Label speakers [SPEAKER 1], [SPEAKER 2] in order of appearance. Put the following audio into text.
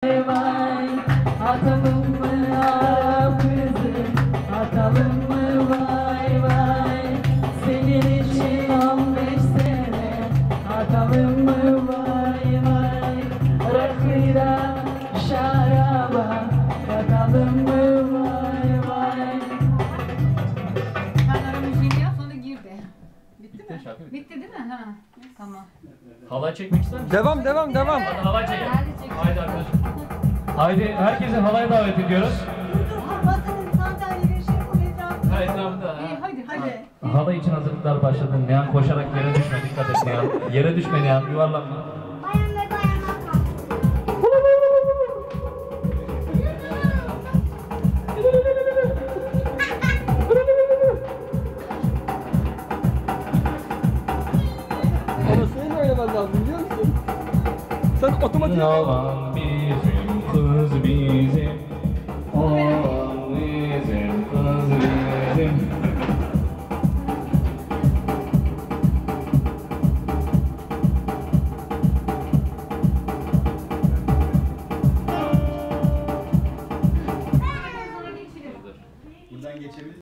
[SPEAKER 1] Vay atalım mı ah kızım, atalım mı vay vay. Senin için 15 sene atalım mı vay vay. Rakıya şaraba katalım mı vay vay.
[SPEAKER 2] Sen ara müziğini yap sonra gir de. Bitti mi?
[SPEAKER 3] Şarkı bitti.
[SPEAKER 2] Bitti değil mi? Ha. Tamam.
[SPEAKER 3] Halay çekmek ister misin?
[SPEAKER 4] Devam.
[SPEAKER 3] Hadi halay çekelim.
[SPEAKER 2] Hadi çekelim.
[SPEAKER 3] Haydi arkadaşlar. Haydi herkesi halaya davet ediyoruz.
[SPEAKER 5] Masanın sandalyeleri şey bu etrafında.
[SPEAKER 3] Ha etrafında.
[SPEAKER 2] İyi hadi.
[SPEAKER 3] Halay için hazırlıklar başladı. Nihan koşarak yere düşme. Dikkat et Nihan. Yere düşme Nihan. Yuvarlanma.
[SPEAKER 5] Bayan ve bayanlar kalk.
[SPEAKER 4] Ama senin oynaman lazım biliyor musun? Sen otomatik...
[SPEAKER 3] Yalan bir